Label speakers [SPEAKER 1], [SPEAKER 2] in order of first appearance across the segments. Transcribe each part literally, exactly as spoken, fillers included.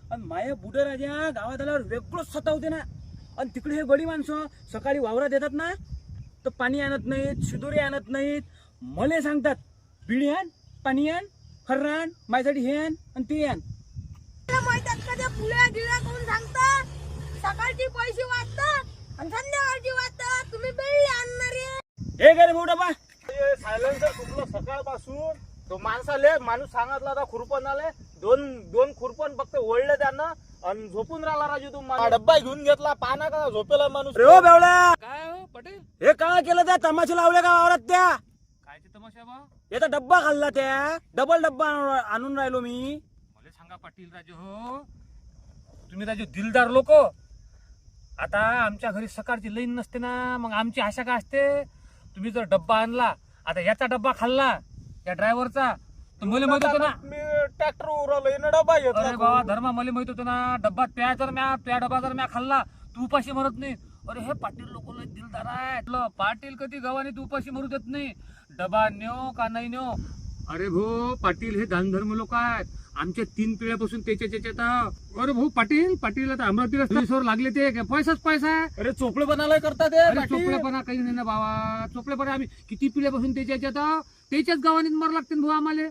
[SPEAKER 1] आणि माया बुडं राजा गावात आल्यावर वेगळंच सतावते ना. आणि तिकडे हे गडी माणसं सकाळी वावरात येतात ना तर पाणी आणत नाहीत, शिदोरी आणत नाहीत. मले सांगतात बिडी आण, पाणी आण, खर्रा आण, माझ्यासाठी हे आण आणि ते आण.
[SPEAKER 2] पुल्या गिळ्या करून सांगतात सकाळची पैसे वाचतात आणि संध्याकाळची वाचतात. तुम्ही बेळले आणणारे
[SPEAKER 1] हे काय रे भाऊ डबा.
[SPEAKER 3] सायलेन्सर तुटलं सकाळपासून. तो माणसाले माणूस सांगितला होता खुरपण आले दोन दोन खुरपण फक्त ओढले त्यानं आणि झोपून राहिला राजू. तू मला डब्बा घेऊन घेतला पाना का झोपेला माणूस.
[SPEAKER 1] रे हो बेवड्या,
[SPEAKER 4] काय हो पटेल,
[SPEAKER 1] हे काय केलं त्या तमाशे लावले का वावरात त्या?
[SPEAKER 4] काय ते तमाशा बा?
[SPEAKER 1] याचा डब्बा खाल्ला त्या, डबल डब्बा आणून- आणून राहिलो मी.
[SPEAKER 4] मला सांगा पाटील राजू, हो तुम्ही राजू दिलदार लोक. आता आमच्या घरी सकाळची लाईन नसते ना, मग आमची आशा काय असते. तुम्ही जर डब्बा आणला, आता याचा डब्बा खाल्ला या ड्रायव्हरचा, तर मला माहित होतं ना.
[SPEAKER 3] मी ट्रॅक्टर उरवलं डब्बा घेतला.
[SPEAKER 4] अरे बाबा धर्मा, मला माहित होतं ना डब्बा त्या जर म्या त्या डब्बा जर म्या खाल्ला तू उपाशी मरत नाही. अरे हे पाटील लोक लय दिलदार आहेत. ल, पाटील कधी गव्हाने तू उपाशी मरू देत नाही. डबा न्यो का नाही न्यो. अरे भाऊ पाटील हे दानधर्म लोक आहेत. आमच्या तीन पिढ्यापासून त्याच्या त्याच्यात. अरे भाऊ पाटील पाटील आता अमरावतीला पोलिसवर लागले ते काय पैसाच पैसा आहे.
[SPEAKER 3] अरे चोपडे बनायला करतात ते
[SPEAKER 4] अरे
[SPEAKER 3] पाटील.
[SPEAKER 4] चोपडेपणा काही नाही ना बाबा. चोपडेपणा आम्ही किती पिढ्यापासून त्याच्या याच्यात त्याच्याच गावाने मर लागते भाऊ आम्हाला.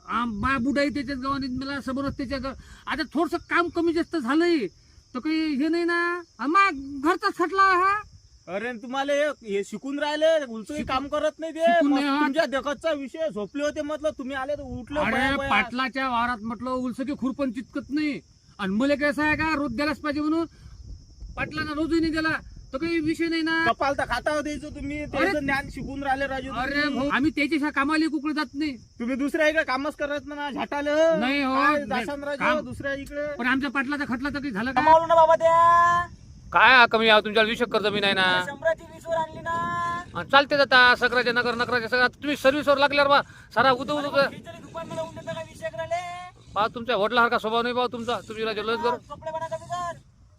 [SPEAKER 4] बा बुडाई त्याच्याच गावाने मला समोरच त्याच्या गाव. आता थोडस काम कमी जास्त झालंय तर काही हे नाही ना. मग घरचाच खटला हा.
[SPEAKER 3] अरे तुम्हाला हे- हे शिकून राहिले उलटही काम करत नाही ते.
[SPEAKER 4] शिकून
[SPEAKER 3] मग
[SPEAKER 4] नाही हा.
[SPEAKER 3] तुमच्या देखतचा विषय झोपले होते म्हटलं तुम्ही आले तर उठले
[SPEAKER 4] अरे
[SPEAKER 3] बया- बया.
[SPEAKER 4] पाटलाच्या वारात म्हटलं उलसकी खुरपण चितकत नाही. आणि मला कसं आहे का रोज द्यायलाच पाहिजे म्हणून पाटलांना रोजही नाही दिला तर काही विषय नाही ना.
[SPEAKER 3] कपाल तर खाता द्यायचं तुम्ही त्याचं ज्ञान शिकून राहिले राजू तुम्ही.
[SPEAKER 4] अरे भाऊ आम्ही त्याच्या कामाला कुकडे जात नाही.
[SPEAKER 3] तुम्ही दुसऱ्या इकडे कामच करत ना झाटाले.
[SPEAKER 4] नाही हो,
[SPEAKER 3] काय
[SPEAKER 4] नाही.
[SPEAKER 3] जासान राजू
[SPEAKER 4] काम-
[SPEAKER 3] दुसऱ्या इकडे.
[SPEAKER 4] पण आमच्या पाटलाचा खटला तर काही झालं का?
[SPEAKER 1] कमावलं ना बाबा त्या.
[SPEAKER 4] काय कमी तुमच्या विषय कर्ज मी नाही ना.
[SPEAKER 1] शंभराची वीस वर आणली ना.
[SPEAKER 4] चालते आता सगळ्याच्या नगर नगराच्या सगळ्या तुम्ही सर्व्हिसवर लागल्यावर बा सारा उदो उदो
[SPEAKER 1] खिचडी दुकान मध्ये लावून देता का विषय करायले?
[SPEAKER 4] पहा तुमच्या वडिलासारखा स्वभाव नाही बा तुमचा. तुम्ही राजा लस कर.
[SPEAKER 1] चोपडेपणा कमी कर.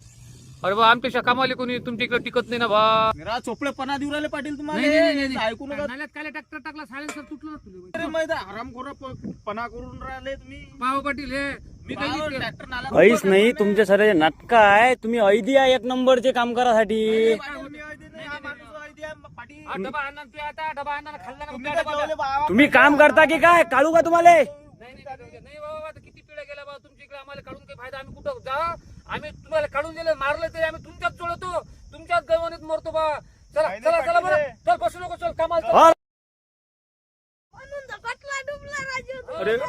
[SPEAKER 4] अरे बा आमच्यापेक्षा कामाले कोणी तुमच्या इकडे टिकत नाही ना बा.
[SPEAKER 3] निरा चोपडेपणा देऊ राहिले पाटील
[SPEAKER 4] नाही, नाही, नाही,
[SPEAKER 3] तुम्हाला.
[SPEAKER 4] नाही.
[SPEAKER 3] ऐकू नका.
[SPEAKER 4] नाल्यात काय ट्रॅक्टर टाकला सायलेन्सर तुटलं ना तुला.
[SPEAKER 3] अरे माहिती आरामखोरा पणा करून राहिले तुम्ही.
[SPEAKER 4] पाव पाटील हे मी काही नाही केलं.
[SPEAKER 3] ट्रॅक्टर नाला
[SPEAKER 1] काहीच नाही तुमचे सारे नाटक आहे. तुम्ही ऐदिया एक नंबरचे काम करासाठी.
[SPEAKER 3] पाटील, मी ऐदी नाही, हा माणूस ऐदी आहे, पाटील.
[SPEAKER 4] हा, डबा आणा तू आता डबा आणा खाल्ला ना
[SPEAKER 3] तुम्ही
[SPEAKER 4] त्या
[SPEAKER 3] काय
[SPEAKER 4] डबा
[SPEAKER 3] जेवले बा?
[SPEAKER 1] तुम्ही काम करता की काय? काढू का तुम्हाला?
[SPEAKER 4] नाही नाही नाही, नाही बाबा आता किती पिढ्या गेल्या बा तुमच्या इकडे. आम्हाला काढून काही फायदा. आम्ही कुठं जा आम्ही तुम्हाला काढून दिले मारले तरी आम्ही तुमच्याच जोडतो तुमच्याच गवणीत मरतो बा. चला
[SPEAKER 3] नाही,
[SPEAKER 4] चला
[SPEAKER 3] नाही,
[SPEAKER 4] चला बरं
[SPEAKER 3] पाटील.
[SPEAKER 4] चल बसू नको चल कामाला चल.
[SPEAKER 1] हा.
[SPEAKER 2] म्हणून तर कटला डुबला राजू.
[SPEAKER 3] अरे